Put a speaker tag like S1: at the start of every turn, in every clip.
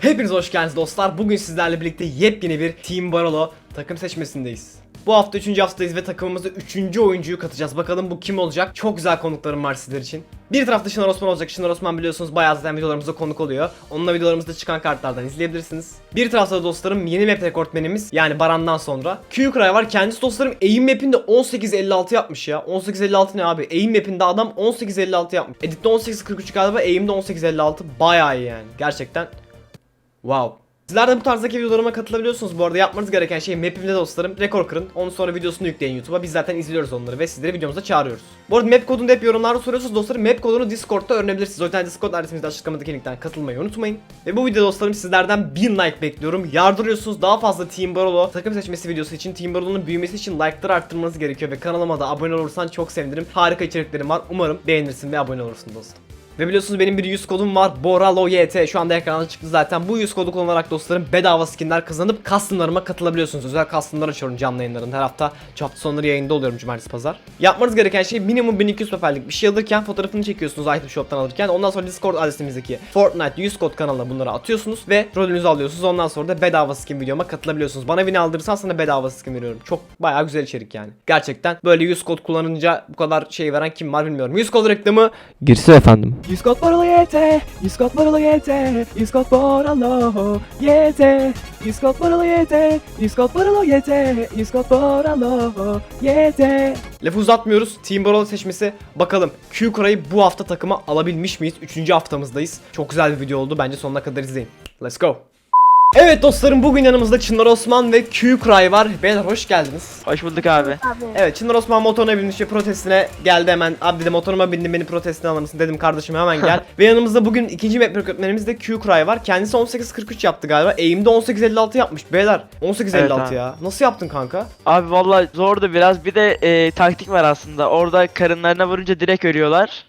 S1: Hepiniz hoş geldiniz dostlar. Bugün sizlerle birlikte yepyeni bir Team Barolo takım seçmesindeyiz. Bu hafta 3. haftadayız ve takımımıza 3. oyuncuyu katacağız. Bakalım bu kim olacak? Çok güzel konuklarım var sizler için. Bir tarafta Çınar Osman olacak. Çınar Osman biliyorsunuz bayağı zaten videolarımızda konuk oluyor. Onunla videolarımızda çıkan kartlardan izleyebilirsiniz. Bir tarafta da dostlarım yeni map rekortmenimiz yani Baran'dan sonra Q-Cry var. Kendisi dostlarım aim map'inde 18.56 yapmış ya. 18.56 ne abi? Aim map'inde adam 18.56 yapmış. Edit'te 18.43 galiba, aim'de 18.56. Bayağı iyi yani. Gerçekten wow. Sizler de bu tarzdaki videolarıma katılabiliyorsunuz. Bu arada yapmanız gereken şey map'imde dostlarım rekor kırın. Ondan sonra videosunu yükleyin YouTube'a. Biz zaten izliyoruz onları ve sizleri videomuza çağırıyoruz. Bu arada map kodunu da hep yorumlarda soruyorsunuz dostlarım. Map kodunu Discord'da öğrenebilirsiniz. O yüzden Discord adresimizde açıklamadaki linkten katılmayı unutmayın. Ve bu videoda dostlarım sizlerden 1000 like bekliyorum. Yardırıyorsunuz. Daha fazla Team Barolo takım seçmesi videosu için, Team Barolo'nun büyümesi için like'ları arttırmanız gerekiyor. Ve kanalıma da abone olursan çok sevinirim. Harika içeriklerim var. Umarım beğenirsin ve abone olursun dostum. Ve biliyorsunuz benim bir 100 kodum var. BORALOYT. Şu anda ekrana çıktı zaten. Bu 100 kodu kullanarak dostlarım bedava skinler kazanıp customlarıma katılabiliyorsunuz. Özel customlar açıyorum canlı yayınlarında. Her hafta hafta sonları yayında oluyorum cumartesi pazar. Yapmanız gereken şey minimum 1200 paperlik bir şey alırken fotoğrafını çekiyorsunuz item shop'tan alırken. Ondan sonra Discord adresimizdeki Fortnite 100 kod kanalına bunları atıyorsunuz ve rolünüzü alıyorsunuz. Ondan sonra da bedava skin videoma katılabiliyorsunuz. Bana win aldırırsan sana bedava skin veriyorum. Çok bayağı güzel içerik yani. Gerçekten böyle 100 kod kullanınca bu kadar şey veren kim var bilmiyorum. 100 kod reklamı girsin efendim.
S2: 100 kod Barolo YT, 100 kod Barolo YT, 100 kod Barolo YT, 100 kod Barolo YT, 100 kod Barolo YT, 100 kod Barolo YT.
S1: Lafı uzatmıyoruz. Team Barolo seçmesi. Bakalım Q-Cry'ı bu hafta takıma alabilmiş miyiz? 3. haftamızdayız. Çok güzel bir video oldu. Bence sonuna kadar izleyin. Let's go. Evet dostlarım, bugün yanımızda Çınar Osman ve Q-Cry var. Beyler hoş geldiniz.
S3: Hoş bulduk abi.
S1: Evet, Çınar Osman motoruna binmiş ve protestine geldi hemen. Abi dedi motoruma bindim, beni protestine alır mısın? Dedim kardeşim hemen gel. Ve yanımızda bugün ikinci map öğretmenimiz de Q-Cry var. Kendisi 18.43 yaptı galiba. Aim'de 18.56 yapmış. Beyler 18.56
S3: Evet
S1: ya. Nasıl yaptın kanka?
S3: Abi vallahi zordu biraz. Bir de taktik var aslında. Orada karınlarına vurunca direkt ölüyorlar.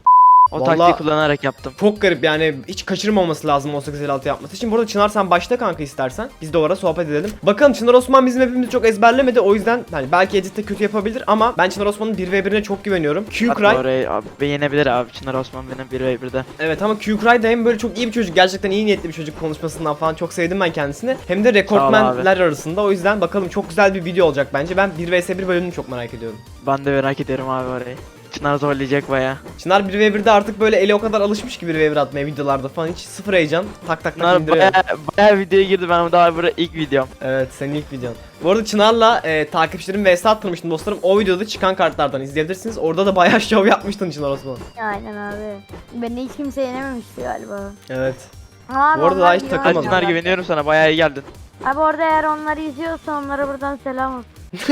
S3: O
S1: Vallahi
S3: taktiği kullanarak yaptım.
S1: Çok garip yani, hiç kaçırmaması lazım 18.56 yapması için. Burada Çınar sen başla kanka istersen. Biz de o ara sohbet edelim. Bakalım Çınar Osman bizim hepimizi çok ezberlemedi. O yüzden hani belki editte kötü yapabilir ama ben Çınar Osman'ın 1v1'ine çok güveniyorum. Q-Cry
S3: Orayı abi yenebilir abi. Çınar Osman benim 1v1'de.
S1: evet ama Q-Cry da hem böyle çok iyi bir çocuk, gerçekten iyi niyetli bir çocuk, konuşmasından falan çok sevdim ben kendisini. Hem de rekortmenler arasında, o yüzden bakalım çok güzel bir video olacak bence. Ben 1vs1 bölümünü çok merak ediyorum.
S3: Ben de merak ediyorum abi orayı. Çınar zorlayacak baya.
S1: Çınar 1v1'de artık böyle eli o kadar alışmış ki 1v1 atmaya videolarda falan, hiç sıfır heyecan, tak tak tak
S3: Çınar
S1: indiriyor.
S3: baya videoya girdi, ben daha burada ilk videom.
S1: Evet, senin ilk videon. Bu arada Çınar'la takipçilerim vs attırmıştım dostlarım. O videoda çıkan kartlardan izleyebilirsiniz. Orada da bayağı şov yapmıştın Çınar Osman.
S4: Aynen abi. Beni hiç kimse yenememişti galiba.
S1: Evet.
S4: Abi
S1: Bu arada
S4: onlar
S1: daha hiç
S4: iyi
S1: takılmadım.
S3: Hadi Çınar
S4: oynuyorlar.
S3: güveniyorum sana, baya iyi geldin.
S4: Abi orada eğer onları izliyorsa onlara buradan selam olsun.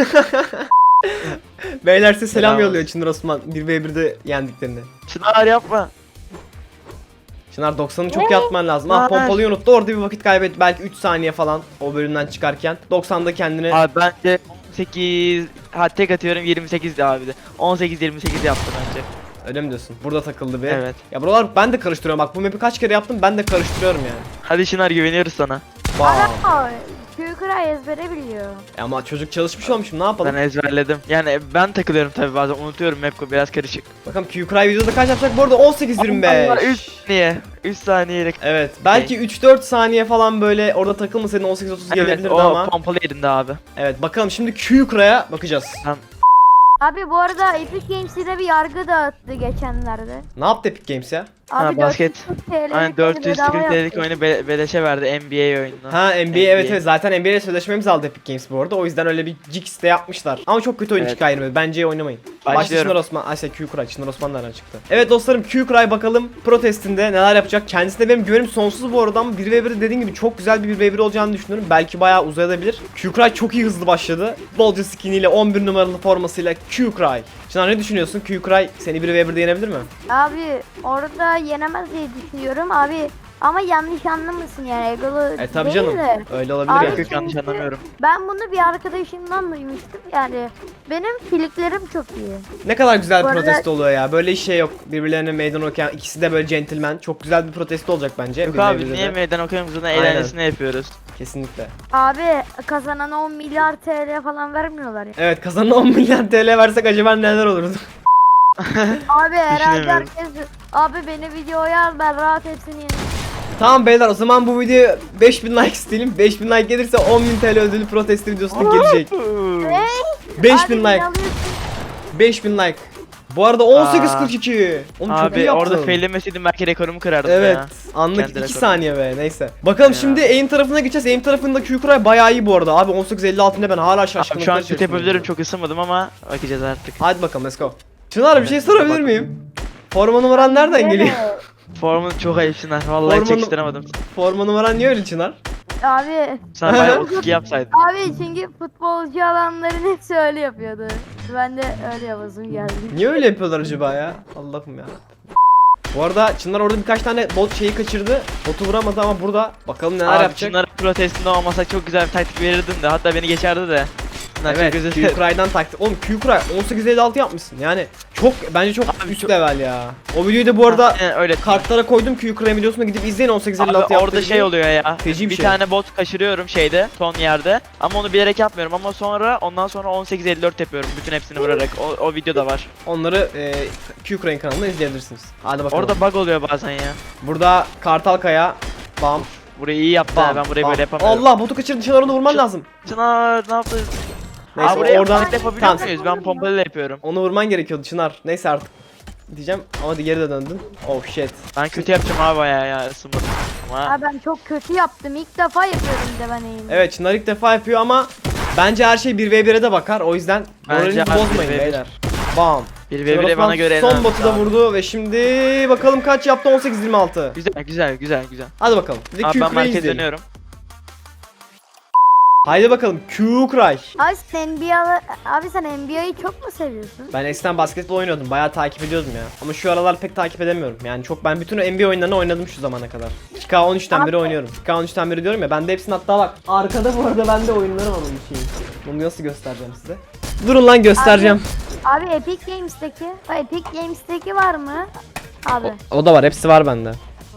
S1: Beyler size selam
S3: Selam
S1: yolluyor Çınar Osman 1v1'de yendiklerini.
S3: Çınar yapma.
S1: Çınar 90'ı çok yapman lazım. Ah, pompalıyı unuttu. Orada bir vakit kaybet. Belki 3 saniye falan o bölümden çıkarken. 90'da kendini...
S3: Abi bence 18, ha tek atıyorum 28 abi de. 18-28 yaptı bence.
S1: Öyle mi diyorsun? Burada takıldı bir.
S3: Evet.
S1: Ya buralar ben de karıştırıyorum. Bak bu map'i kaç kere yaptım, ben de karıştırıyorum yani.
S3: Hadi Çınar güveniyoruz sana.
S1: Wow.
S4: Adam Q-Cry ezbere biliyor.
S1: Ama çocuk çalışmış olmuşum, ne yapalım?
S3: Ben ezberledim. Yani ben takılıyorum tabii, bazen unutuyorum, map biraz karışık.
S1: Bakalım Q-Cry videoda kaç yapacak? Bu arada 18.25.
S3: 3 saniye. 3 saniyelik.
S1: Evet. Belki 3-4 saniye falan böyle orada takılmasaydın 18.30 gelebilirdi
S3: o
S1: ama.
S3: pompalı yerinde abi.
S1: Evet, bakalım şimdi Q-Cry'a bakacağız.
S4: Abi bu arada Epic Games'de bir yargı dağıttı geçenlerde.
S1: Ne yaptı Epic Games ya?
S4: Abi
S3: basket.
S4: 440 TL'lik
S3: Aynen
S4: bedava
S3: 440 TL'lik
S4: yaptı.
S3: oyunu beleşe verdi, NBA oyununu.
S1: Ha, NBA, evet evet, zaten NBA ile sözleşmemizi aldı Epic Games bu arada. O yüzden öyle bir jigs de yapmışlar. Ama çok kötü oyun
S3: Evet.
S1: çıktı ayrı. Bence oynamayın. Başta
S3: Başlıyorum.
S1: Çınar Osman, Ayşe Q-Cry, Çınar Osman nereden çıktı? Evet dostlarım, Q-Cry bakalım protestinde neler yapacak. Kendisine benim güvenim sonsuz bu arada ama 1v1 dediğim gibi çok güzel bir 1v1 olacağını düşünüyorum. Belki bayağı uzayabilir. Q-Cry çok iyi hızlı başladı. Bolca skiniyle 11 numaralı formasıyla Q-Cry. Çınar ne düşünüyorsun? Q-Cry seni 1v1'de yenebilir mi?
S4: Abi orada yenemez diye düşünüyorum abi. Ama yanlış anlamasın yani, egolu
S1: Tabi
S4: değil
S1: canım.
S4: de.
S1: Öyle olabilir
S4: Abi
S1: yani.
S3: Yok yanlış
S4: çünkü
S3: anlamıyorum.
S4: Ben bunu bir arkadaşımdan duymuştum yani. Benim filiklerim çok iyi.
S1: Ne kadar güzel
S4: Bu
S1: bir
S4: arada-
S1: protesto oluyor ya. Böyle şey yok. Birbirlerine meydan okuyan, ikisi de böyle gentleman. Çok güzel bir protesto olacak bence.
S3: Yok
S1: 1v1'de
S3: abi,
S1: de.
S3: niye meydan okuyoruz, zaten
S1: Aynen.
S3: eğlencesine yapıyoruz.
S1: Kesinlikle.
S4: Abi kazanana 10 milyar TL falan vermiyorlar ya.
S1: Evet, kazanan 10 milyon TL versek acaba neler olurdu?
S4: Abi herhalde
S3: Düşünemiyorum.
S4: herkes abi beni videoya al, ben rahat hepsini yerim.
S1: Tamam beyler, o zaman bu videoya 5000 like isteyelim. 5000 like gelirse 10.000 TL ödülü protesto videosuna gelecek. 5000
S4: Abi,
S1: like.
S4: inanıyorsun.
S1: 5000 like. Bu arada 18.42. Oğlum çok iyi
S3: Abi
S1: yaptın.
S3: orada failemeseydim belki rekorumu kırardım
S1: Evet,
S3: ya.
S1: anlık
S3: Kendi
S1: 2
S3: rekorum.
S1: saniye be, neyse. Bakalım
S3: Ya.
S1: şimdi aim tarafına geçeceğiz. Aim tarafında Q-Cry bayağı iyi bu arada. Abi 18.56'ında ben hala
S3: Abi
S1: şaşkınlıkla
S3: şu an şut
S1: içerisindeyim.
S3: yapabilirim, çok ısınmadım ama bakacağız artık.
S1: Hadi bakalım, let's go. Çınar, bir şey
S3: Evet,
S1: sorabilir
S3: bakalım.
S1: miyim? Forma numaran nereden geliyor?
S4: Evet.
S3: Formun çok ayıp Çınar. Vallahi
S1: Formanı-
S3: çekiştiremedim.
S1: Forma numaran niye öyle Çınar?
S4: Abi.
S3: Sen bayağı 32 yapsaydın.
S4: Abi çünkü futbolcu alanların hepsi öyle yapıyordu. Ben de öyle yapasım geldi.
S1: Niye öyle yapıyorlar acaba ya? Allah'ım ya. Bu arada Çınar orada birkaç tane bot şeyi kaçırdı. Botu vuramadı ama burada bakalım neler
S3: Abi
S1: yapacak.
S3: Çınar'ın protestinde olmasak çok güzel bir taktik verirdin de, hatta beni geçerdi de. Çınar
S1: Evet,
S3: çok özür dilerim.
S1: Q-Cry'dan taktik. Oğlum Q-Cry 18.56 yapmışsın. Yani çok, bence çok
S3: Abi
S1: üst
S3: çok-
S1: level ya. O videoyu da bu arada
S3: Aynen öyle.
S1: kartlara koydum, Q-Cry videosuna gidip izleyin, 18.56
S3: Abi
S1: yaptığı
S3: orada şey
S1: videoyu.
S3: oluyor ya.
S1: Feci bir
S3: Bir
S1: şey.
S3: tane bot kaçırıyorum şeyde, son yerde. Ama onu bilerek yapmıyorum, ama ondan sonra 18.54 yapıyorum bütün hepsini vurarak. O videoda var.
S1: Onları Q-Cry'in kanalında izleyebilirsiniz. Hadi bakalım.
S3: Orada bug oluyor bazen ya.
S1: Burada Kartal Kaya. Bam.
S3: Burayı iyi yaptı
S1: Bam.
S3: ha, ben burayı
S1: bam.
S3: böyle yapamıyorum.
S1: Allah, botu kaçırdı. Çınar, onu vurman
S3: Çık-
S1: lazım.
S3: Çınar ne yaptın?
S1: Neyse,
S3: Abi buraya
S1: oradan
S3: oradan yapabiliyor
S1: tamam,
S3: muyuz? Ben pompalıyla yapıyorum.
S1: onu vurman gerekiyordu Çınar. Neyse artık. Diyeceğim ama geri de döndün. Oh shit.
S3: Ben kötü yapacağım abi bayağı ya, ısınmadım. Ama
S4: Abi ben çok kötü yaptım. İlk defa yapıyorum de ben eğimi.
S1: Evet, Çınar ilk defa yapıyor ama bence her şey 1v1'e de bakar. O yüzden
S3: Bence
S1: moralinizi
S3: abi
S1: bozmayın
S3: 1v1.
S1: beyler. Bam.
S3: bir
S1: Çınar
S3: ve bire
S1: Osman
S3: bana göre en
S1: son
S3: önemlisi
S1: botu da
S3: abi.
S1: vurdu ve şimdi bakalım kaç yaptı, 18-26.
S3: Güzel.
S1: Hadi bakalım. Bir de
S3: Abi ben
S1: Q-Cry'yi
S3: merkez
S1: izleyelim.
S3: dönüyorum.
S1: Haydi bakalım Q-Cry.
S4: Abi sen NBA'yi çok mu seviyorsun?
S1: Ben eskiden basketbol oynuyordum. Bayağı takip ediyordum ya. Ama şu aralar pek takip edemiyorum. Yani çok, ben bütün NBA oyunlarını oynadım şu zamana kadar. 2K13'ten beri oynuyorum. 2K13'ten beri diyorum ya. Bende hepsinin, hatta bak. Arkada bu arada bende oyunlarım var onun şeyi. Bunu nasıl göstereceğim size? Durun lan, göstereceğim.
S4: Abi Epic Games'teki. Epic Games'teki var mı? Abi.
S1: O da var. Hepsi var bende.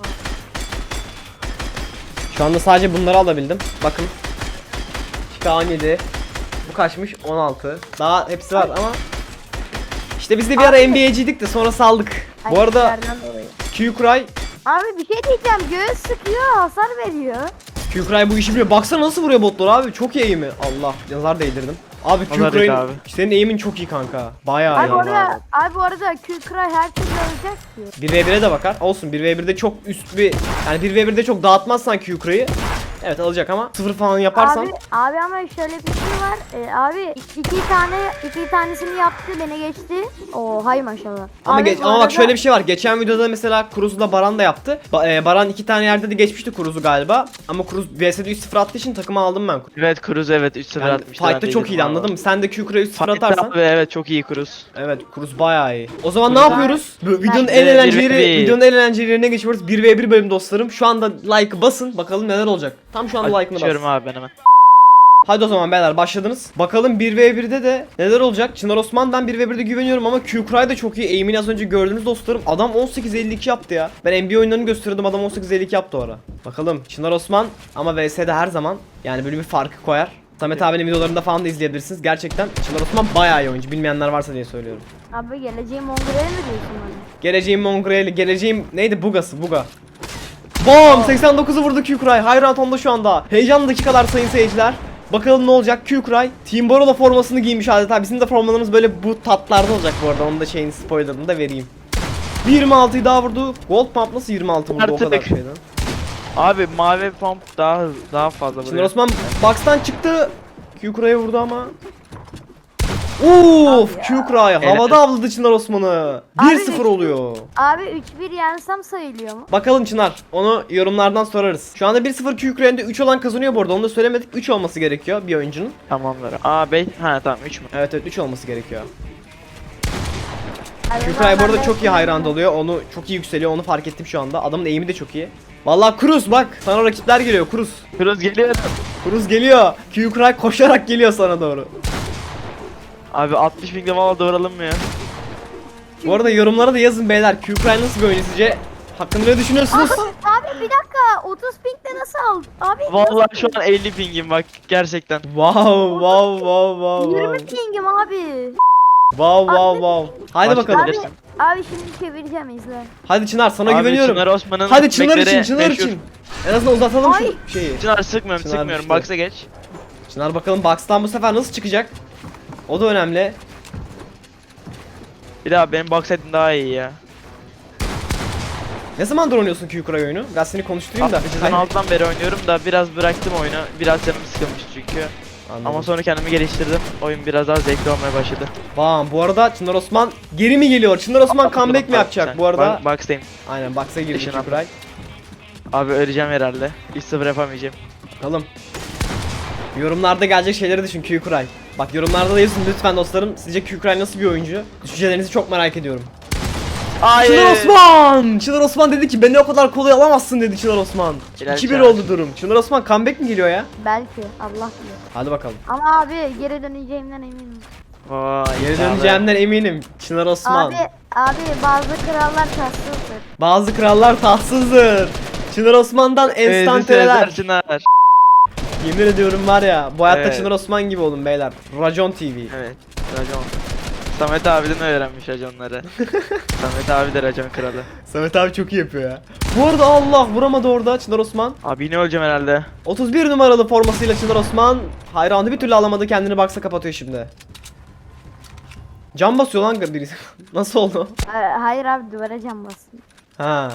S1: Şu anda sadece bunları alabildim. Bakın. 2K17. Bu kaçmış? 16. Daha hepsi var ama İşte biz de bir ara NBA'ciydik de sonra saldık. Bu arada
S4: Ayetlerden dolayı.
S1: Q-Cry
S4: Abi bir şey diyeceğim. Göğüs sıkıyor, hasar veriyor.
S1: Q-Cry bu işi biliyor. Baksana nasıl vuruyor botları abi. Çok iyi eğimi. Allah, nazar değdirdim. Abi
S3: Nazar değdi abi.
S1: Q-Cry'in senin eğimin çok iyi kanka. Bayağı
S4: Abi
S1: iyi.
S4: bu arada Q-Cry her türlü olacak ki.
S1: 1v1'e de bakar. Olsun, 1v1'de çok üst bir, yani 1v1'de çok dağıtmazsan Q-Cry'yi evet alacak ama 0 falan yaparsan
S4: Abi ama şöyle bir şey var. Abi iki tanesini yaptı, beni geçti. Oo hay maşallah.
S1: ama
S4: Abi, bu
S1: ama bak
S4: arada-
S1: şöyle bir şey var. Geçen videoda mesela Cruz'la Baran da yaptı. Baran 2 tane yerde de geçmişti Cruz'u galiba. Ama Cruz VS'de 3-0 attığı için takımı aldım ben.
S3: Evet Cruz, evet 3-0
S1: Yani
S3: atmıştı. ben
S1: fight'ta
S3: de
S1: çok
S3: izledim
S1: iyiydi,
S3: abi.
S1: anladın mı? Sen de Q-Cry'e 3-0
S3: Fight'ta
S1: atarsan.
S3: abi, evet çok iyi Cruz.
S1: Evet, Cruz bayağı iyi. O zaman ne
S3: Cruz-
S1: yapıyoruz? Videonun
S4: Ben-
S1: en
S3: Bir-
S1: eğlenceli
S3: bir-
S1: videonun en eğlenceli yerine geçiyoruz. 1v1 bölüm dostlarım. Şu anda like basın. Bakalım neler olacak. Tam şu anda like'ını
S3: Açıyorum
S1: bas.
S3: abi ben hemen.
S1: Hadi o zaman beyler, başladınız. Bakalım 1v1'de de neler olacak? Çınar Osman, ben 1v1'de güveniyorum ama Q-Cry da çok iyi. Aim'ini az önce gördünüz dostlarım. Adam 18.52 yaptı ya. Ben NBA oyunlarını gösteriyordum, adam 18.52 yaptı o ara. Bakalım Çınar Osman ama VS'de her zaman yani böyle bir farkı koyar. Samet abinin videolarında falan da izleyebilirsiniz. Gerçekten Çınar Osman bayağı iyi oyuncu. Bilmeyenler varsa diye söylüyorum.
S4: Abi geleceğim Mongol'e mi diyorsun bana?
S1: Geleceğim Mongrel'i, geleceğim neydi, Bugası, Buga. Bom! 89'u vurdu Q-Cry. High round onda şu anda. Heyecanlı dakikalar sayın seyirciler. Bakalım ne olacak? Q-Cry Team Barolo formasını giymiş adeta. Bizim de formalarımız böyle bu tatlarda olacak bu arada. Onun da şeyin spoilerını da vereyim. 26'yı daha vurdu. Gold Pump nasıl 26 vurdu o
S3: Artık.
S1: kadar şeyden?
S3: Abi mavi pump daha fazla
S1: Şimdi
S3: vuruyor.
S1: Osman box'tan çıktı. Q-Cry'e vurdu ama. Uf, Q-Cry havada avladı Çınar Osman'ı.
S4: Abi,
S1: 1-0 oluyor.
S4: Abi 3-1 yensem sayılıyor mu?
S1: Bakalım Çınar, onu yorumlardan sorarız. Şu anda 1-0 Q-Cry'de 3 olan kazanıyor bu arada. Onu da söylemedik. 3 olması gerekiyor bir oyuncunun.
S3: Tamamdır. Aa 5, ha tamam 3 mü?
S1: Evet 3 olması gerekiyor.
S4: Abi,
S1: Q-Cry bu arada çok iyi hayran oluyor. Onu çok iyi yükseliyor. Onu fark ettim şu anda. Adamın aim'i de çok iyi. Vallahi Cruz bak, sana rakipler geliyor Cruz.
S3: Cruz geliyor.
S1: Cruz geliyor. Q-Cry koşarak geliyor sana doğru.
S3: Abi 60 pingde valla doğralım ya.
S1: Bu arada yorumlara da yazın beyler. Q-Cry nasıl bir oyuncu sizce? Hakkında ne düşünüyorsunuz?
S4: Abi bir dakika 30 pinkte nasıl aldın? Abi
S3: Vallahi şu an 50 pingim bak gerçekten.
S1: Wow wow wow wow
S4: 20
S1: wow.
S4: pingim abi.
S1: Wow wow wow. Haydi bakalım.
S3: Başlayabilirsin.
S4: Abi şimdi çevireceğim izle.
S1: Hadi Çınar sana
S3: Abi
S1: güveniyorum.
S3: Çınar Osman'ın
S1: Hadi Çınar için,
S3: bekleri
S1: Çınar
S3: meşhur.
S1: için. En azından uzatalım
S4: Ay.
S1: şu şeyi.
S3: Çınar sıkmıyorum
S1: Çınar
S3: sıkmıyorum.
S1: düştü.
S3: Box'a geç.
S1: Çınar bakalım Box'tan bu sefer nasıl çıkacak? O da önemli.
S3: Bir daha benim box edin daha iyi ya.
S1: Ne zamandır oynuyorsun Q-Cry oyunu? Biraz seni konuşturayım da.
S3: Abi sezon 6'dan beri oynuyorum da biraz bıraktım oyunu. Biraz canım sıkılmış çünkü.
S1: Anladım.
S3: Ama sonra kendimi geliştirdim. Oyun biraz daha zevkli olmaya başladı.
S1: Bam bu arada Çınar Osman geri mi geliyor? Çınar Osman comeback mi yapacak bu arada?
S3: Box'tayım.
S1: Aynen Box'a girdi
S3: Işın
S1: Q-Cry.
S3: Abi öleceğim herhalde. 3-0 yapamayacağım.
S1: Bakalım. Yorumlarda gelecek şeyleri düşün Q-Cry. Bak yorumlarda da yazın lütfen dostlarım. Sizce Q-Cry nasıl bir oyuncu? Düşüncelerinizi çok merak ediyorum.
S3: Hayır.
S1: Çınar Osman! Çınar Osman dedi ki beni o kadar kolay alamazsın dedi Çınar Osman.
S3: Hilal
S1: 2-1
S3: Çağ.
S1: oldu durum. Çınar Osman comeback mi geliyor ya?
S4: Belki Allah bilir.
S1: Hadi bakalım.
S4: Ama abi geri döneceğimden eminim.
S3: Vay,
S1: Geri
S3: iddialı.
S1: döneceğimden eminim. Çınar Osman.
S4: Abi bazı krallar tatsızdır.
S1: Bazı krallar tatsızdır. Çınar Osman'dan enstantaneler.
S3: Sezar Çınar.
S1: Yemin ediyorum var ya bu hayatta
S3: Evet.
S1: Çınar Osman gibi olun beyler. Racon TV.
S3: Evet. Racon. Samet abiden öğrenmiş raconları. Samet abi de racon kralı.
S1: Samet abi çok iyi yapıyor ya. Bu arada Allah vuramadı orada Çınar Osman.
S3: Abi yine öleceğim herhalde.
S1: 31 numaralı formasıyla Çınar Osman hayranı bir türlü alamadı, kendini box'a kapatıyor şimdi. Cam basıyor lan birisi. Nasıl oldu?
S4: Hayır abi duvara cam bastım.
S1: Ha.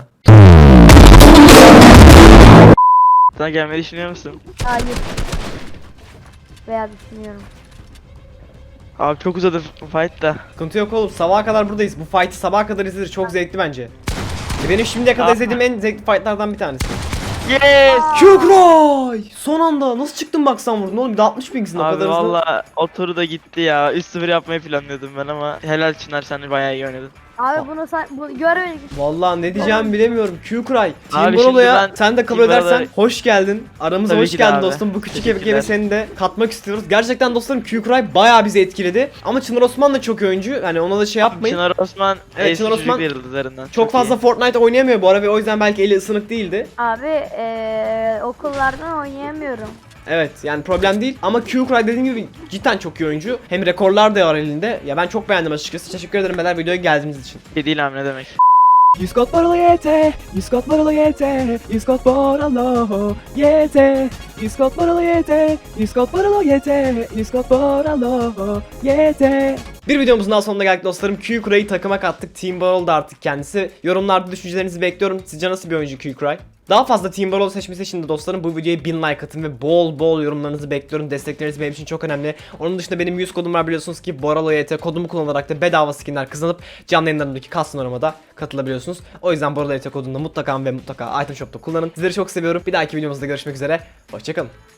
S3: Sana gelmeyi düşünüyor musun?
S4: Hayır. Veya düşünüyorum.
S3: Abi çok uzadı fight da.
S1: Sıkıntı yok oğlum, sabaha kadar buradayız. Bu fight'ı sabaha kadar izlenir, çok zevkli bence. Benim şimdiye kadar
S3: Yapma.
S1: izlediğim en zevkli fight'lardan bir tanesi.
S3: Yes!
S1: Q-Cry! Son anda nasıl çıktın box'tan vurdun oğlum? Bir de 60 pingsin o
S3: Abi
S1: kadar hızlı.
S3: valla o turu da gitti ya. 3-0 yapmayı planlıyordum ben ama helal Çınar, sen de bayağı iyi oynadın.
S4: Abi bunu görmedik.
S1: Vallahi ne diyeceğimi bilemiyorum. Q-Cry. Team
S3: Abi
S1: Barolo'ya
S3: şimdi ben
S1: sen de kabul
S3: Team
S1: edersen
S3: Barolo'ya-
S1: hoş geldin. Aramıza
S3: Tabii
S1: hoş
S3: ki de
S1: geldin
S3: abi.
S1: dostum. Bu küçük
S3: Teşekkürler.
S1: evi seni de katmak istiyoruz. Gerçekten dostlarım Q-Cry bayağı bizi etkiledi. Ama Çınar Osman da çok iyi oyuncu. Hani ona da şey yapmayın.
S3: Çınar Osman
S1: Evet, Çınar
S3: eski
S1: Osman
S3: çocuk yıldızlarından.
S1: Çok fazla
S3: iyi.
S1: Fortnite oynayamıyor bu ara ve o yüzden belki eli ısınık değildi.
S4: Abi okullardan oynayamıyorum.
S1: Evet yani problem değil ama Q-Cry dediğim gibi cidden çok iyi oyuncu. Hem rekorlar da var elinde. Ya ben çok beğendim açıkçası. Teşekkür ederim beyler videoya geldiğiniz için.
S3: Bir değil abi, ne demek.
S2: Discord Barolo YT, Discord Barolo YT, Discord Barolo YT, Discord Barolo YT, Discord Barolo YT, Discord Barolo YT.
S1: Bir videomuzun daha sonuna geldik dostlarım. Q-Cry'yi takıma kattık. Team Barol da artık kendisi. Yorumlarda düşüncelerinizi bekliyorum. Sizce nasıl bir oyuncu Q-Cry? Daha fazla Team Barol seçmesi için de dostlarım bu videoya 1000 like atın ve bol bol yorumlarınızı bekliyorum. Destekleriniz benim için çok önemli. Onun dışında benim 100 kodum var biliyorsunuz ki BoraloYT kodumu kullanarak da bedava skinler kazanıp canlı yayınlarımdaki custom aramada katılabiliyorsunuz. O yüzden BoraloYT kodunu da mutlaka ve mutlaka item shop'ta kullanın. Sizleri çok seviyorum. Bir dahaki videomuzda görüşmek üzere. Hoşçakalın.